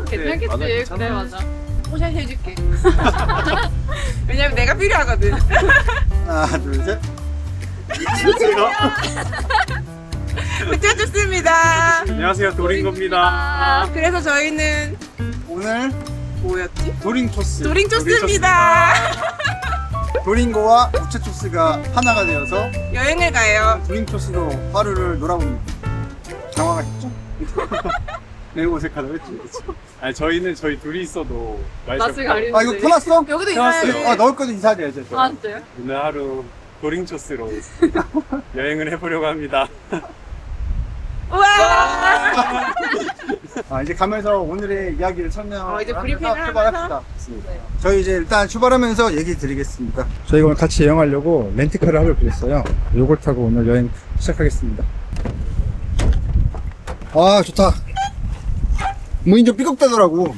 괜찮겠지. 그래 맞아. 포샷 해줄게. 왜냐면 내가 필요하거든. 하나, 둘, 셋. 부탁 좋습니다. 안녕하세요, 도링고입니다. 그래서 저희는 오늘 뭐였지? 도링초스. 도링초스입니다. 도링고와 우체초스가 하나가 되어서 여행을 가요. 도링초스로 하루를 놀아봅니다. 당황하셨죠? 매우 어색하다고 했지. 아니 저희는 저희 둘이 있어도 낯을 가리는데. 아, 이거 펴놨어? 여기도 해왔어요. 있어요. 아, 넣을 거는 인사드려야죠. 아 진짜요? 오늘 하루 도링초스로 여행을 해보려고 합니다. 우와! 아, 이제 가면서 오늘의 이야기를 설명하면서 이제 브리핑을 출발합시다. 저희 이제 일단 출발하면서 얘기 드리겠습니다. 저희가 오늘 같이 여행하려고 렌트카를 하기로 그랬어요. 요걸 타고 오늘 여행 시작하겠습니다. 아, 좋다. 무인 좀 삐걱대더라고.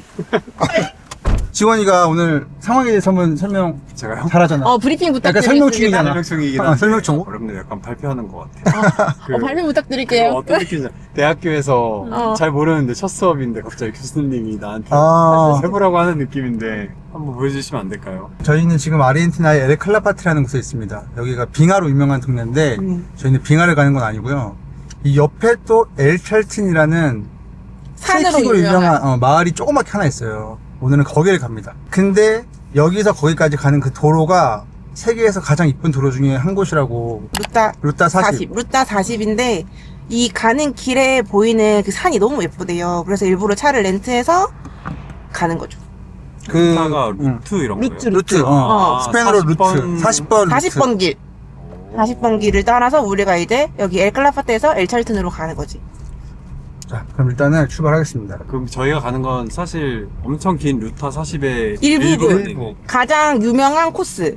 지원이가 오늘 상황에 대해서 한번 설명 제가요? 잘하잖아. 브리핑 약간 부탁드리겠습니다. 설명 중이잖아. 설명충이긴 어, 한데 설명충. 어렵네요. 약간 발표하는 것 같아요. 발표 부탁드릴게요. 어떤 느낌이냐? 대학교에서 어. 잘 모르는데 첫 수업인데 갑자기 교수님이 나한테 아. 해보라고 하는 느낌인데 한번 보여주시면 안 될까요? 저희는 지금 아르헨티나의 엘칼라파트라는 곳에 있습니다. 여기가 빙하로 유명한 동네인데 저희는 빙하를 가는 건 아니고요. 이 옆에 또 엘찰틴이라는 산으로 트레킹으로 유명한. 유명한 마을이 조그맣게 하나 있어요. 오늘은 거기를 갑니다. 근데 여기서 거기까지 가는 그 도로가 세계에서 가장 이쁜 도로 중에 한 곳이라고. 루타 40. 루타 40인데 이 가는 길에 보이는 그 산이 너무 예쁘대요. 그래서 일부러 차를 렌트해서 가는 거죠. 루타가 루트 이런 거예요? 루트. 어. 스페인어로 40번. 루트. 40번 루트. 40번 길. 40번 길을 따라서 우리가 이제 여기 엘클라파테에서 엘찰튼으로 가는 거지. 자, 그럼 일단은 출발하겠습니다. 그럼 저희가 가는 건 사실 엄청 긴 루타 40의 일부. 가장 유명한 코스.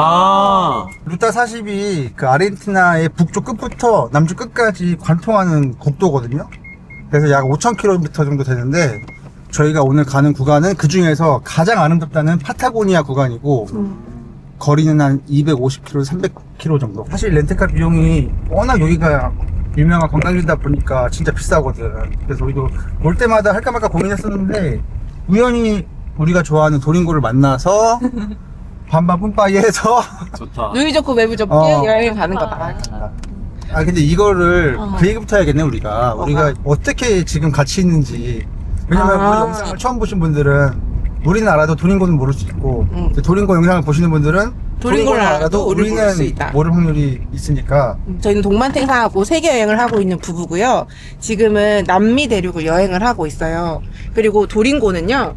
루타 40이 그 아르헨티나의 북쪽 끝부터 남쪽 끝까지 관통하는 국도거든요. 그래서 약 5,000km 정도 되는데 저희가 오늘 가는 구간은 그 중에서 가장 아름답다는 파타고니아 구간이고 거리는 한 250km, 300km 정도. 사실 렌트카 비용이 워낙 여기가 유명한 관광지다 보니까 진짜 비싸거든. 그래서 우리도 올 때마다 할까 말까 고민했었는데 우연히 우리가 좋아하는 도링고를 만나서 반반 뿜빠이 해서 좋다. 누이 좋고 매부 좋게 어. 여행을 가는 거다. 아 근데 이거를 어. 그 얘기부터 해야겠네 우리가 어떻게 지금 같이 있는지. 왜냐면 아. 우리 영상을 처음 보신 분들은 우리는 알아도 도링고는 모를 수 있고 응. 도링고 영상을 보시는 분들은 도링고를 알아도 우리는 모를 수 우리는 있다. 모를 확률이 있으니까. 저희는 동반탱사하고 세계 여행을 하고 있는 부부고요. 지금은 남미 대륙을 여행을 하고 있어요. 그리고 도링고는요.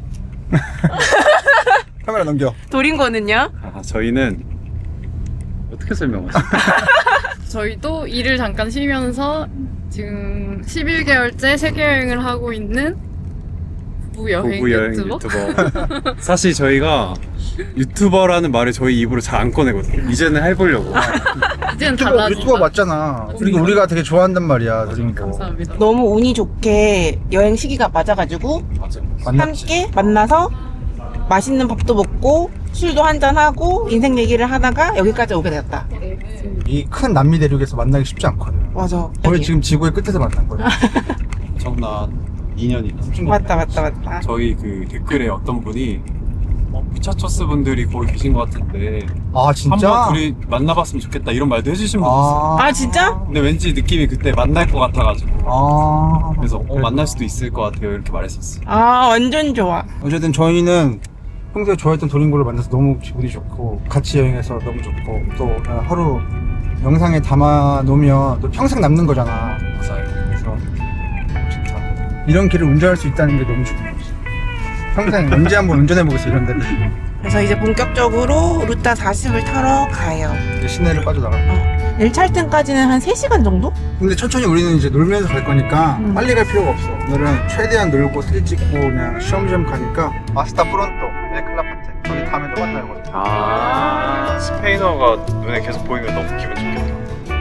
카메라 넘겨. 도링고는요. 저희는 어떻게 설명하지? 저희도 일을 잠깐 쉬면서 지금 11개월째 세계 여행을 하고 있는 부부 여행 부부 여행 유튜버. 유튜버. 사실 저희가 유튜버라는 말을 저희 입으로 잘 안 꺼내거든요. 이제는 해보려고. 이제는 유튜버 달라지죠. 맞잖아. 그리고 우리가 되게 좋아한단 말이야. 도링고. 감사합니다. 너무 운이 좋게 여행 시기가 맞아가지고 맞아. 만났지. 함께 만나서 맛있는 밥도 먹고 술도 한잔하고 인생 얘기를 하다가 여기까지 오게 되었다. 이 큰 남미 대륙에서 만나기 쉽지 않거든. 맞아. 거의 지금 지구의 끝에서 만난 거야. 엄청난 인연이다. 맞다. 저희 그 댓글에 어떤 분이 피차초스 분들이 거기 계신 것 같은데 아 진짜? 한번 둘이 만나봤으면 좋겠다 이런 말도 해주신 분 있어요. 아 진짜? 근데 왠지 느낌이 그때 만날 것 같아가지고 그래서 그래. 만날 수도 있을 것 같아요 이렇게 말했었어요. 아 완전 좋아. 어쨌든 저희는 평소에 좋아했던 도링고를 만나서 너무 기분이 좋고 같이 여행해서 너무 좋고 또 하루 영상에 담아 놓으면 또 평생 남는 거잖아. 맞아요. 그래서 좋다. 이런 길을 운전할 수 있다는 게 너무 좋은 거지. 평생 언제 한번 운전해보겠어 이런 데를. 그래서 이제 본격적으로 루타 40을 타러 가요. 이제 시내를 빠져나가. 엘찰튼까지는 한 3시간 정도? 근데 천천히 우리는 이제 놀면서 갈 거니까 빨리 갈 필요가 없어. 오늘은 최대한 놀고 사진 찍고 그냥 쉬엄쉬엄 가니까 아스타 프론토, 엘클라파테 저기 다음에 또 만나요. 스페인어가 눈에 계속 보이면 너무 기분 좋겠다.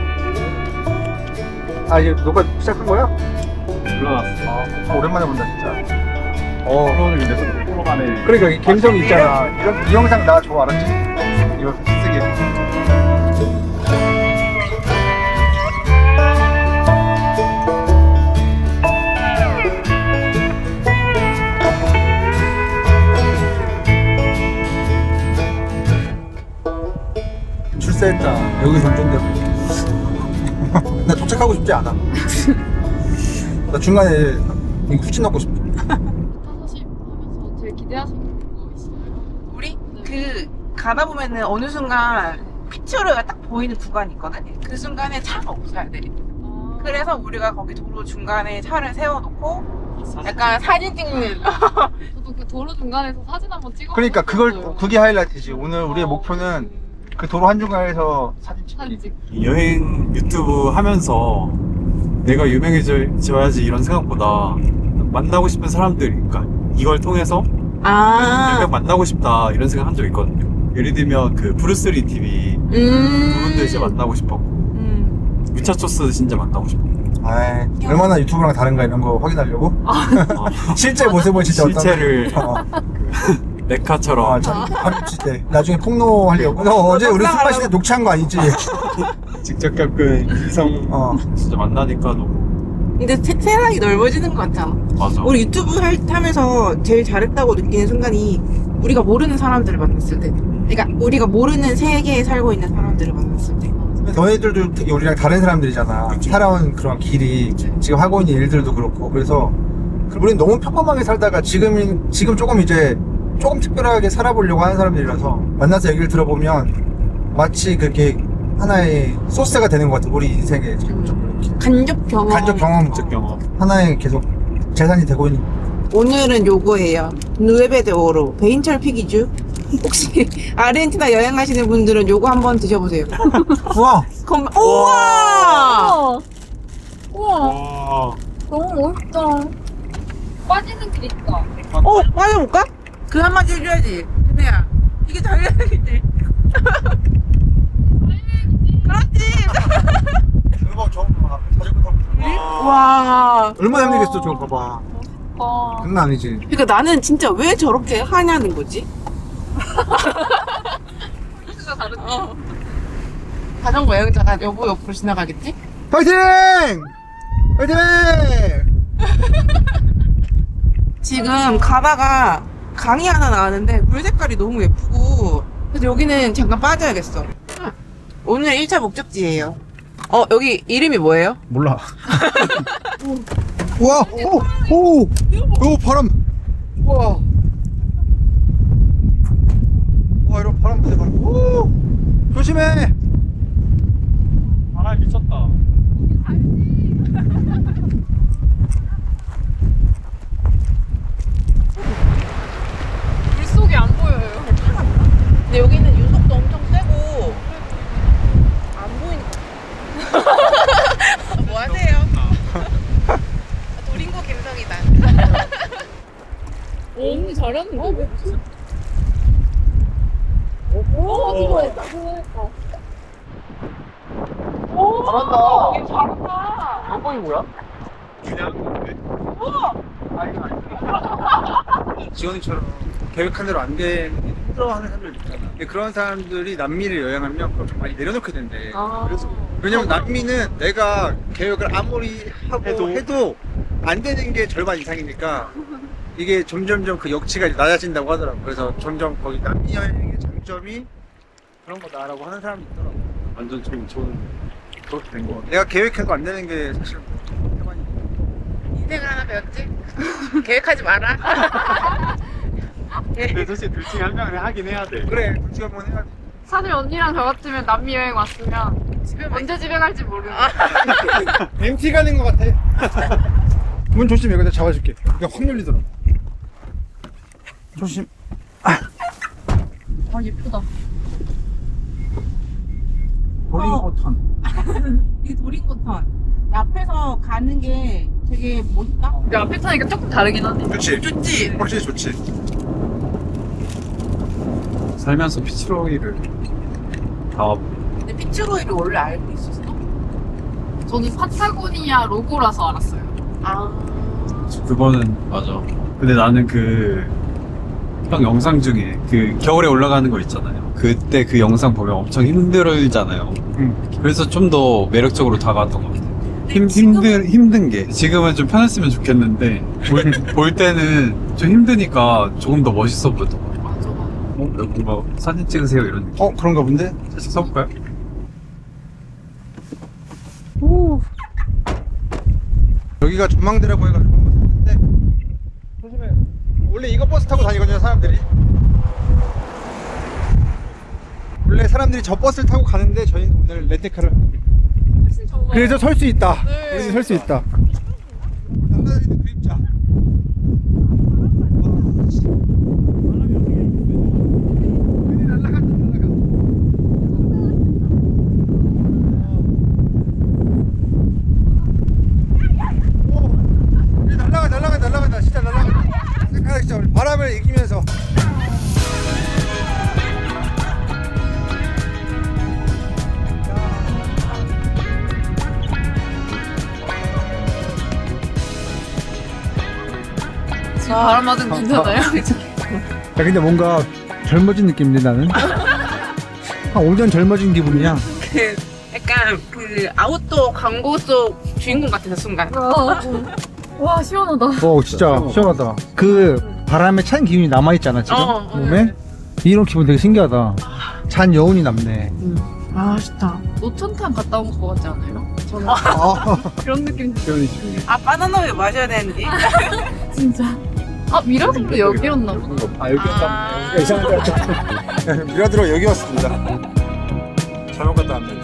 아 이제 녹화 시작한 거야? 올라왔어. 오랜만에 본다 진짜. 프로는 근데 프로 간에 그러니까 이 감성이 있잖아. 이 영상 나 좋아 알았지? 이거 쓰게. 쎄했다. 여기서 운전대로. 나 도착하고 싶지 않아. 나 중간에 후진 넣고 싶어. 사실 하면서 제일 기대하시는 거 있어요? 우리 그 가다 보면은 어느 순간 피치로가 딱 보이는 구간이 있거든. 그 순간에 차가 없어야 돼. 그래서 우리가 거기 도로 중간에 차를 세워놓고 약간 사진 찍는. 저도 그 도로 중간에서 사진 한번 찍어. 그러니까 그게 하이라이트지. 오늘 우리의 목표는 그 도로 한중간에서 사진 찍기. 사진 찍. 여행 유튜브 하면서 내가 유명해져야지 이런 생각보다 만나고 싶은 사람들, 그러니까 이걸 통해서 아. 몇명 만나고 싶다 이런 생각 한 적 있거든요. 예를 들면 그 브루스리 TV 그분들 이제 만나고 싶었고 위차초스 진짜 만나고 싶었고 아, 얼마나 유튜브랑 다른가 이런 거 확인하려고. 실제 모습은 진짜 실체를 어떤. 메카처럼 한입 때 나중에 폭로하려고. 너 어제 우리 술 마실 때 녹취한 거 아니지? 직접 겪은 이성 진짜 만나니까 너무 근데 세상이 넓어지는 것 같잖아. 맞아. 우리 유튜브 하면서 제일 잘했다고 느끼는 순간이 우리가 모르는 사람들을 만났을 때. 그러니까 우리가 모르는 세계에 살고 있는 사람들을 만났을 때. 너희들도 되게 우리랑 다른 사람들이잖아. 살아온 그런 길이, 지금 하고 있는 일들도 그렇고. 그래서 우리는 너무 평범하게 살다가 지금 조금 이제 조금 특별하게 살아보려고 하는 사람들이라서 만나서 얘기를 들어보면 마치 그게 하나의 소스가 되는 것 같아. 우리 인생에 간접 경험. 하나의 계속 재산이 되고 있는. 오늘은 요거예요. 누에베 오로 베인철 피기주. 혹시 아르헨티나 여행하시는 분들은 요거 한번 드셔보세요. 우와! 우와! 우와, 와. 너무 멋있다. 빠지는 길 있다. 맞아볼까? 그 한마디 해줘야지. 준혜야, 이게 달려야겠지. 그렇지. 대박, 저거 봐. 자전거 타고. 와. 얼마나 힘들겠어, 저거 봐봐. 와. 장난 아니지. 그러니까 나는 진짜 왜 저렇게 하냐는 거지? 진짜 다른데. 자전거 여행자가 여보 옆으로 지나가겠지? 파이팅! 파이팅! 지금 가다가 강이 하나 나왔는데 물 색깔이 너무 예쁘고 그래서 여기는 잠깐 빠져야겠어. 오늘 1차 목적지예요. 여기 이름이 뭐예요? 몰라. 우와! 오! 바람! 우와! 와, 이런 바람 부네, 바람. 오! 조심해! 아 미쳤다. 물속이 안 보여요. 근데 여기는 유속도 엄청 세고 안 보이니까. 뭐 하세요? 도링고 감성이다. 언니 잘했는데? 수고했다. 잘한다. 잘한다. 한번이 뭐야? 지원이처럼 계획한 대로 안 되는 게 힘들어하는 사람들 있잖아. 근데 그런 사람들이 남미를 여행하면 그걸 좀 많이 내려놓게 된대. 왜냐면 남미는 내가 계획을 아무리 해도 안 되는 게 절반 이상이니까 이게 점점점 그 역치가 이제 낮아진다고 하더라고. 그래서 점점 거기 남미 여행의 장점이 그런 거다라고 하는 사람이 있더라고. 완전 좀 저는 그렇게 된 거 같아. 내가 계획해도 안 되는 게 사실 태반이. 인생을 하나 배웠지? 계획하지 마라. 근데 사실 둘 중에 한 명은 하긴 해야 돼. 그래, 둘중 한번 해야 돼. 사실 언니랑 저 같으면 남미 여행 왔으면 언제 집에 갈지 모르는. MT 가는 거 같아. 문 조심해. 여기다 잡아줄게. 이거 확 열리더라. 조심. 아 예쁘다. 도링고턴. 이 도링고턴 앞에서 가는 게 되게 멋있다. 우리 앞에 타니까 조금 다르긴 하네. 좋지. 좋지? 확실히 좋지. 살면서 피치로이를 다 근데 피츠로이를 원래 알고 있었어? 저는 파타고니아 로고라서 알았어요. 아. 그거는 맞아. 근데 나는 형 영상 중에 그 겨울에 올라가는 거 있잖아요. 그때 그 영상 보면 엄청 힘들잖아요. 그래서 좀 더 매력적으로 다가왔던 것 같아요. 힘든 게 지금은 좀 편했으면 좋겠는데 볼 때는 좀 힘드니까 조금 더 멋있어 보였던 것 같아요. 맞아. 뭔가 사진 찍으세요 이런 느낌. 그런가 본데? 살짝 써볼까요? 여기가 전망대라고 해가지고 한번 탔는데 조심해. 원래 이거 버스 타고 다니거든요 사람들이. 원래 사람들이 저 버스를 타고 가는데 저희는 오늘 렌트카를 훨씬 좋아요. 그래서 설 수 있다. 네. 우리는 설 수 있다. 남자들은 그림자. 눈이 날아간다, 날아가. 오, 우리 날아간다. 진짜 날아간다. 생각하기 진짜 우리 바람을 이기면서. 지금 바람 맞은 괜찮아요? 야, 근데 뭔가 젊어진 느낌인데 나는? 한 5년 젊어진 기분이야. 그 약간 그 아웃도어 광고 속 주인공 같아서 순간. 와 시원하다. 진짜 시원하다. 그 바람에 찬 기운이 남아있잖아 지금 몸에. 이런 기분 되게 신기하다. 잔 여운이 남네. 아 좋다. 노천탕 갔다 온 거 같지 않아요? 저는 그런 느낌 아 바나나우유 마셔야 되는데. 진짜. 아 미라클도 여기였나 보다. 아. 여기가 이상한 데 같아. 미라드로 여기 왔습니다. 잘못 갔다 왔네.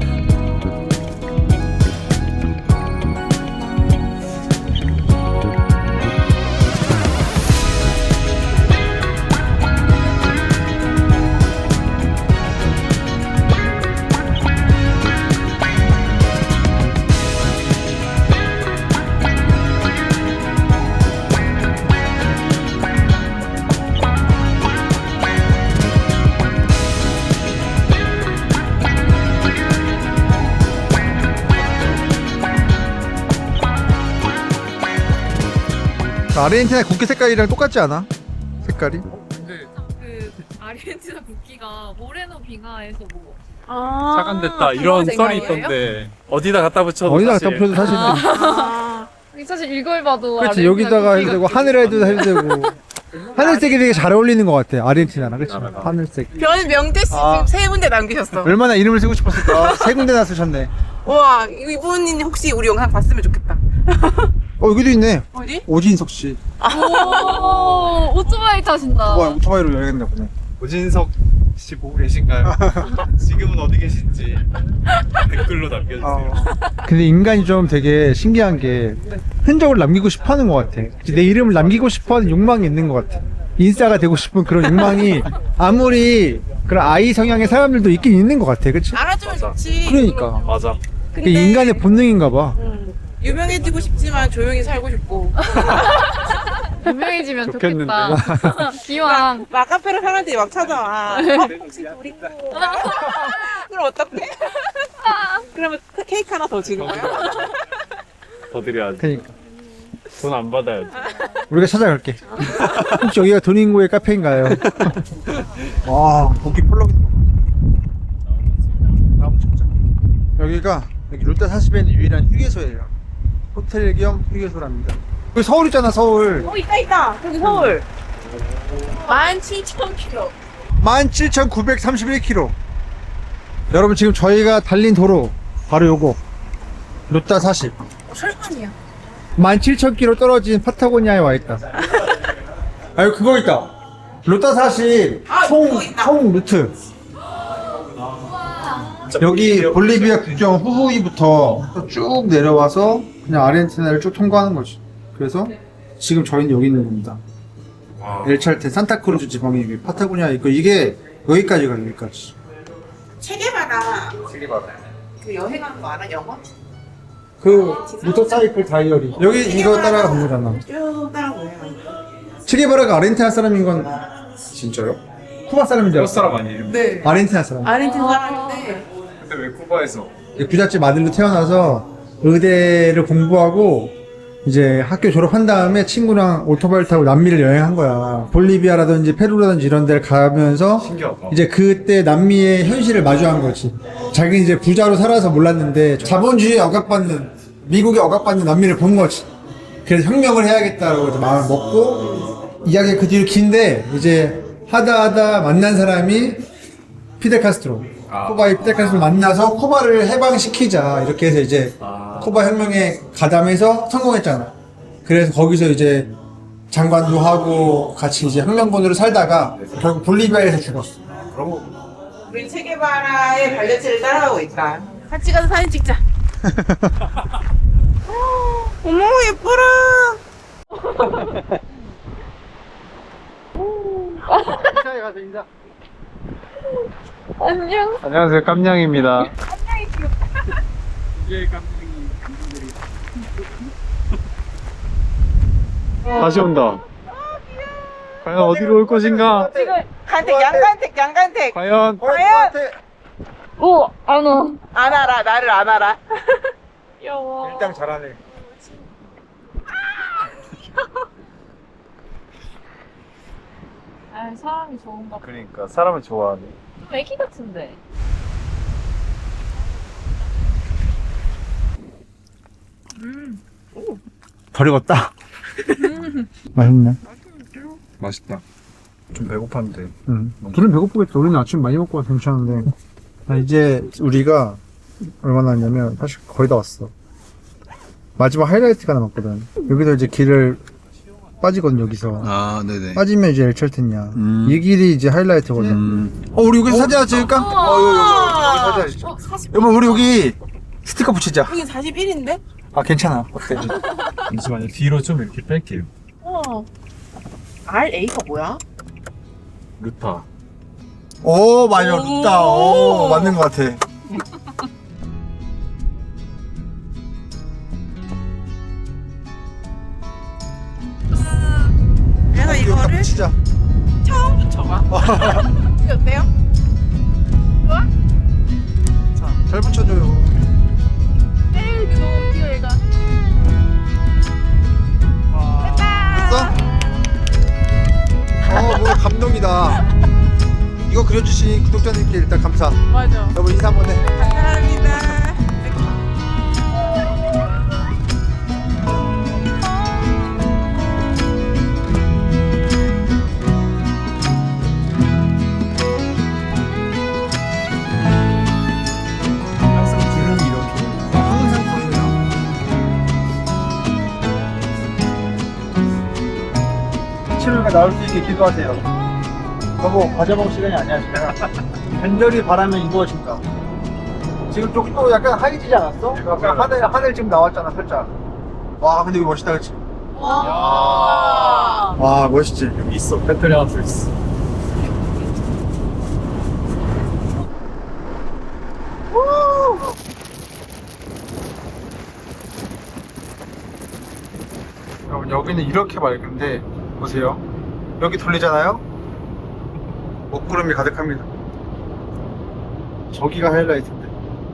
아르헨티나 국기 색깔이랑 똑같지 않아? 색깔이? 그 아르헨티나 국기가 모레노 빙하에서 뭐 아. 차관됐다 이런 그런 썰이 생각이에요? 있던데 어디다 갖다 붙여도 어디다 사실 갖다 붙여도 사실은. 아. 사실 읽어봐도 그렇지, 아르헨티나 여기다가 해도 국기가 되고 하늘에도 해도 되고. 하늘색이 되게 잘 어울리는 것 같아 아르헨티나랑. 그치? 하늘색. 변 명태 씨 아. 지금 세 군데 남기셨어. 얼마나 이름을 쓰고 싶었을까. 세 군데나 쓰셨네. 와 이분이 혹시 우리 영상 봤으면 좋겠다. 여기도 있네. 어디? 오진석 씨. 오 오토바이 타신다. 와, 오토바이로 여행 갔나 보네. 오진석 씨 보고 계신가요? 지금은 어디 계신지 댓글로 남겨주세요. 근데 인간이 좀 되게 신기한 게 흔적을 남기고 싶어 하는 것 같아. 내 이름을 남기고 싶어 하는 욕망이 있는 것 같아. 인싸가 되고 싶은 그런 욕망이 아무리 그런 아이 성향의 사람들도 있긴 있는 것 같아. 그치? 알아주면 좋지. 그러니까. 맞아. 그게 인간의 본능인가 봐. 유명해지고 싶지만 조용히 살고 싶고. 유명해지면 좋겠는데. 좋겠다. 기왕. 막 카페를 사람들이 막 찾아와. 혹시 우리 거. 그럼 어떡해? 그러면 케이크 하나 더 주는 거야? 더 드려야지. 그러니까. 돈 안 받아야지. 우리가 찾아갈게. 혹시 여기가 도닝고의 카페인가요? 와, 거기 펄럭이는 거 봐. 나무 진짜. 여기가 여기 롯데 40에 유일한 휴게소예요. 호텔 겸 휴게소랍니다. 여기 서울 있잖아, 서울. 있다. 저기 서울. 17,000km. 17,931km. 여러분 지금 저희가 달린 도로 바로 요거 롯데 40. 설판이야. 17,000km 떨어진 파타고니아에 와 있다. 아, 여기 그거 있다. 롯데 40 아, 그거 있다. 총 루트. 여기 볼리비아 국경 후후이부터 쭉 내려와서 그냥 아르헨티나를 쭉 통과하는 거지. 그래서 지금 저희는 여기 있는 겁니다. 엘찰테 산타크루즈 지방에 여기 파타고니아 있고 이게 여기까지 가요. 여기까지. 체계바라. 그 여행하는 거 알아? 영어? 그 모터사이클 다이어리 여기 이거 따라간 거잖아. 쭉 따라오요. 체게바라가 아르헨티나 사람인 건 진짜요? 쿠바 사람인 줄 쿠바 알았어. 사람 아니에요? 네. 아르헨티나 사람. 아르헨티나 사람인데 근데 왜 쿠바에서? 부잣집 아들로 태어나서 의대를 공부하고 이제 학교 졸업한 다음에 친구랑 오토바이를 타고 남미를 여행한 거야. 볼리비아라든지 페루라든지 이런 데를 가면서 신기하다. 이제 그때 남미의 현실을 마주한 거지. 자기는 이제 부자로 살아서 몰랐는데 자본주의에 억압받는, 미국에 억압받는 남미를 본 거지. 그래서 혁명을 해야겠다고 이제 마음을 먹고, 이야기가 그 뒤로 긴데 이제 하다 만난 사람이 피델 카스트로. 코바 입대까지 만나서 코바를 해방시키자 이렇게 해서 이제 코바 혁명에 가담해서 성공했잖아. 그래서 거기서 이제 장관도 하고 같이 이제 혁명군으로 살다가 결국 볼리비아에서 죽었어. 우린 체게바라의 발자취를 따라가고 있다. 같이 가서 사진 찍자. 어머 예뻐라. 인사에 가서 인사. 안녕. 안녕하세요, 깜냥입니다. 다시 온다. 과연 어디로 올 것인가? 지금 간택 양간택. 과연 과연 오, 안 와. 안 알아 나를 안 알아. 귀여워. 일당 잘하네. 아, 사람이 좋은가 봐. 그러니까 사람을 좋아하네. 좀 애기 같은데. 덜 익었다. 맛있네. 맛있다. 좀 배고팠는데. 응. 둘은 배고프겠다. 우리는 아침 많이 먹고 와서 괜찮은데. 이제 우리가 얼마나 왔냐면 사실 거의 다 왔어. 마지막 하이라이트가 남았거든. 여기서 이제 길을 빠지거든, 여기서. 아, 네네. 빠지면 이제 엘철텐이야. 이 길이 이제 하이라이트거든. 우리 여기서 사진 하나 찍을까? 여기 사진 하나 찍자. 여보, 우리 여기 스티커 붙이자. 이게 41인데? 아, 괜찮아. 어때? 잠시만요. 뒤로 좀 이렇게 뺄게요. RA가 뭐야? 루타. 오, 맞아. 루타. 오, 맞는 것 같아. 그래서 여기다 이거를 붙이자. 처음 붙여봐. 이게 어때요? 자, 잘 붙여줘요. 에이, 너무 웃겨, 얘가. 됐어? 뭔가 감동이다. 이거 그려주신 구독자님께 일단 감사. 맞아. 여보 인사 한번 해. 감사합니다. 항상 구름이 이렇게. 항상 보입니다. 치료가 나올 수 있게 기도하세요. 여보 과자 먹을 시간이 아니야 지금. 간절히 바라면 이루어진다. 지금 또 약간 하얘지지 않았어? 약간 하늘 지금 나왔잖아 살짝. 와 근데 이거 멋있다 그치? 와 멋있지? 여기 있어. 배터리 하나 더 있어. 여러분 여기는 이렇게 맑은데 보세요. 여기 돌리잖아요. 먹구름이 가득합니다. 저기가 하이라이트인데.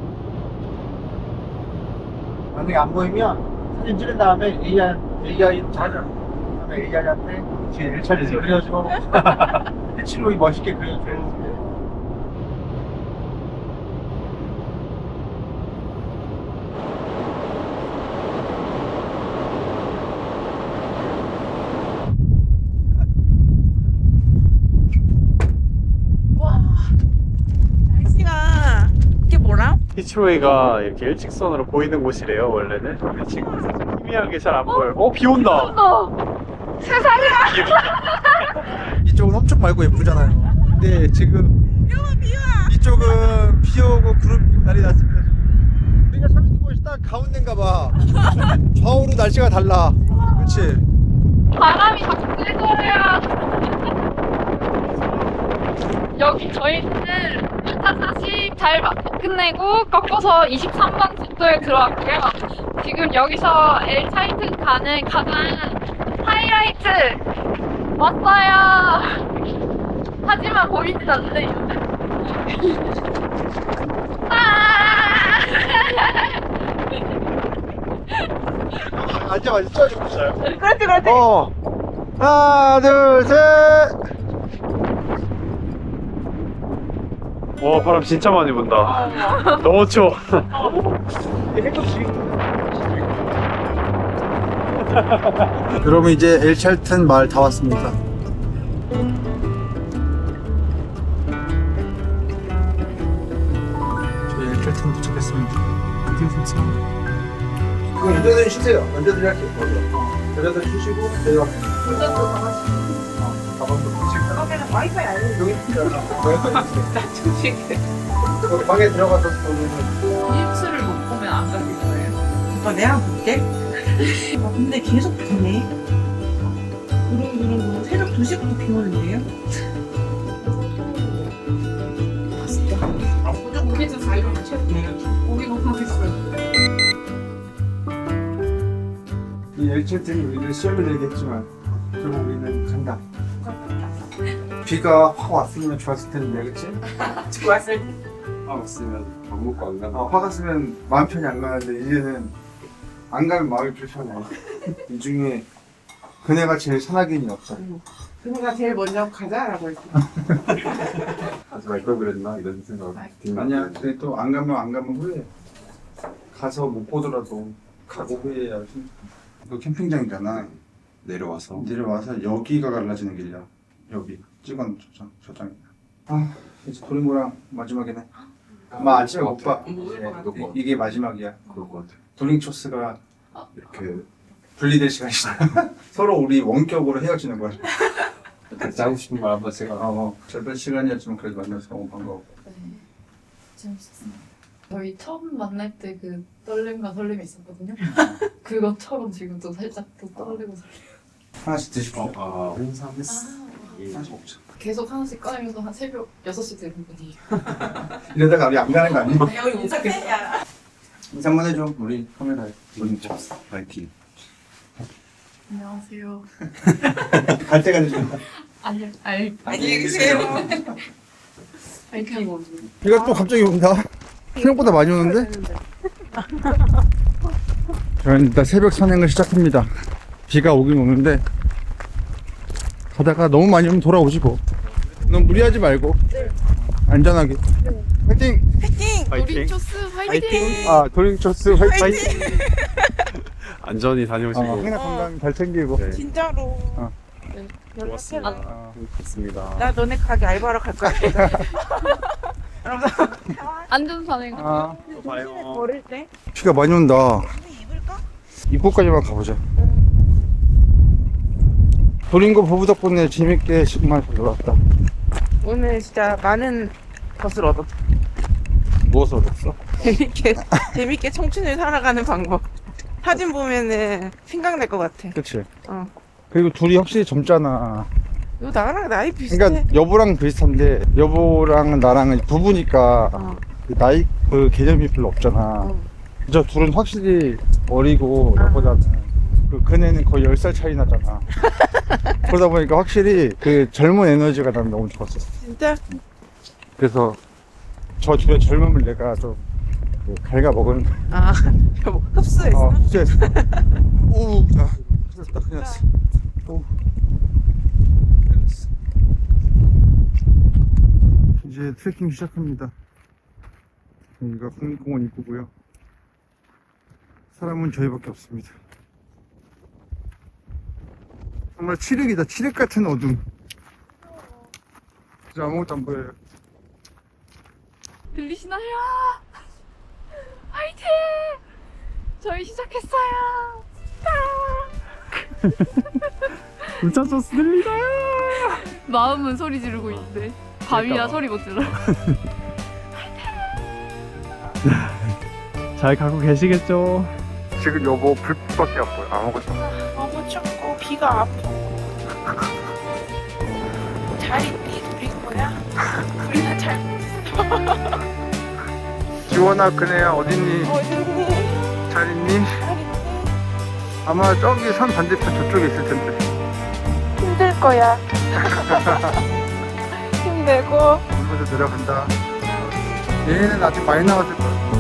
만약에 안 보이면 사진 찍은 다음에 AI로 찾아. 그다음에 AI한테 뒤에 1차례 그려주고 해치로이 멋있게 그려줘요. 날씨가 이게 뭐라? 히치로이가 이렇게 일직선으로 보이는 곳이래요, 원래는. 근데 지금 살짝 희미하게 잘 안 보여요. 비 온다! 세상에! 이쪽은 엄청 맑고 예쁘잖아요. 근데 지금 이쪽은 비 오고 구름 끼고 난리 났습니다. 지금. 우리가 서 있는 곳이 딱 가운데인가 봐. 좌우로 날씨가 달라. 그렇지? 바람이 자꾸 뜰 거예요. 여기 저희는 루타 40 잘 끝내고 꺾어서 23번 국도에 들어왔고요. 지금 여기서 엘차이트 가는 가장 하이라이트 왔어요. 하지만 보이진 않네요. 앉아봐, 찍어주고 있어요. 그렇지. 하나, 둘, 셋. 와, 바람 진짜 많이 분다. 너무 추워. 여러분 이제 엘찰튼 마을 다 왔습니다. 아르헨티나 도착했습니다. 이거 운전을 쉬세요. 운전을 할게요. 운전을 쉬시고 내려가세요. 운전도 다 하시고. 가방도 지금 그러면 와이파이 알려줘. 여기 있잖아. 나중에. 여기 방에 들어가서 보면 일출을 못 보면 안 가실 거예요? 내가 볼게. 근데 계속 비네. 그럼 새벽 2시부터 비 오는데요? 고기도 잘 익었네. 고기 너무 맛있어요. 이 열차들이 우리를 시험을 내겠지만 결국 우리는 간다. 비가 확 왔으면 좋았을 텐데, 그치? 좋았을 때. 왔으면 밥 먹고 안 가나? 화 갔으면 마음 편히 안 가는데 이제는 안 가면 마음이 불편해. 이 중에 그네가 제일 산악인이 없어. 그녀가 제일 먼저 가자라고 했어. 하지 말 걸 그랬나? 이런 생각. 아니야, 근데 또 안 가면 후회해. 가서 못 보더라도 가고 후회해야지. 이거 캠핑장이잖아. 내려와서. 내려와서 여기가 갈라지는 길이야. 여기 찍어놓은 저장이야. 아, 이제 도링고랑 마지막이네. 아마 아침에 못 봐. 이게 마지막이야. 그럴 것 같아. 도링초스가 이렇게 분리될 시간이다. 서로 우리 원격으로 헤어지는 거야. 각자 하고 싶은 말 한번 제가. 짧은 시간이었지만 그래도 만나서 너무 반가워. 네, 재밌었어요. 저희 처음 만날 때 그 떨림과 설렘이 있었거든요. 그것처럼 지금도 살짝 또 떨리고 설레. 하나씩 드십시오. 홍삼. 하나씩 먹자. 계속 하나씩 꺼내면서 한 새벽 6시 되는 분이. 이러다가 우리 안 가는 거 아니야? 여기 인사했냐? 인사 한번 해줘. 우리 카메라에. 도링초스. 파이팅. 안녕하세요. 갈 때가 되신다. 안녕히 계세요. 이렇게 뭐 비가 또 갑자기 온다. 생각보다 많이 오는데? 저희는 일단 새벽 산행을 시작합니다. 비가 오긴 오는데 가다가 너무 많이 오면 돌아오지 뭐. 너무 무리하지 말고 안전하게. 화이팅! 도링초스 화이팅! 아, 도링초스 화이팅! 안전히 다녀오시고. 항상 건강 잘 챙기고. 네. 진짜로. 고맙습니다. 좋습니다. 나 너네 가게 알바로 갈 거야. 안전산행. 또 봐요. 버릴 때? 비가 많이 온다. 입을까? 입구까지만 가보자. 도링고 부부 덕분에 재밌게 정말 잘 놀았다. 오늘 진짜 많은 것을 얻었어. 무엇을 얻었어? 재밌게 청춘을 살아가는 방법. 사진 보면은 생각날 것 같아. 그치? 어. 그리고 둘이 확실히 젊잖아. 너 나랑 나이 비슷해. 그러니까 여보랑 비슷한데 여보랑 나랑은 부부니까 어. 그 나이 그 개념이 별로 없잖아. 어. 저 둘은 확실히 어리고 여보다는 그 그네는 거의 10살 차이 나잖아. 그러다 보니까 확실히 그 젊은 에너지가 난 너무 좋았었어. 진짜? 그래서 저 둘의 젊음을 내가 좀 갉아먹은. 아, 뭐 흡수했어? 흡수했어. 오, 나 큰일 났어. 오. 큰일 났어. 이제 트레킹 시작합니다. 여기가 국립공원 입구고요. 사람은 저희밖에 없습니다. 정말 칠흑이다. 칠흑 같은 어둠. 진짜 아무것도 안 보여요. 들리시나요? 화이팅! 저희 시작했어요. 울차소스 들리다. 마음은 소리 지르고 있는데 밤이라 소리 못 질러. 잘 가고 계시겠죠? 지금 여보 불빛밖에 안 보여. 아무것도. 너무 춥고 비가 아파. 잘 있니? 우리 거야? 우리는 잘 지원아, 그네야 어딨니? 어딨니? 잘 있니? 잘 있니? 아마 저기 산 반대편 저쪽에 있을 텐데. 힘들 거야. 힘들고. 물에서 내려간다. 얘는 아직 많이 나왔을 거야.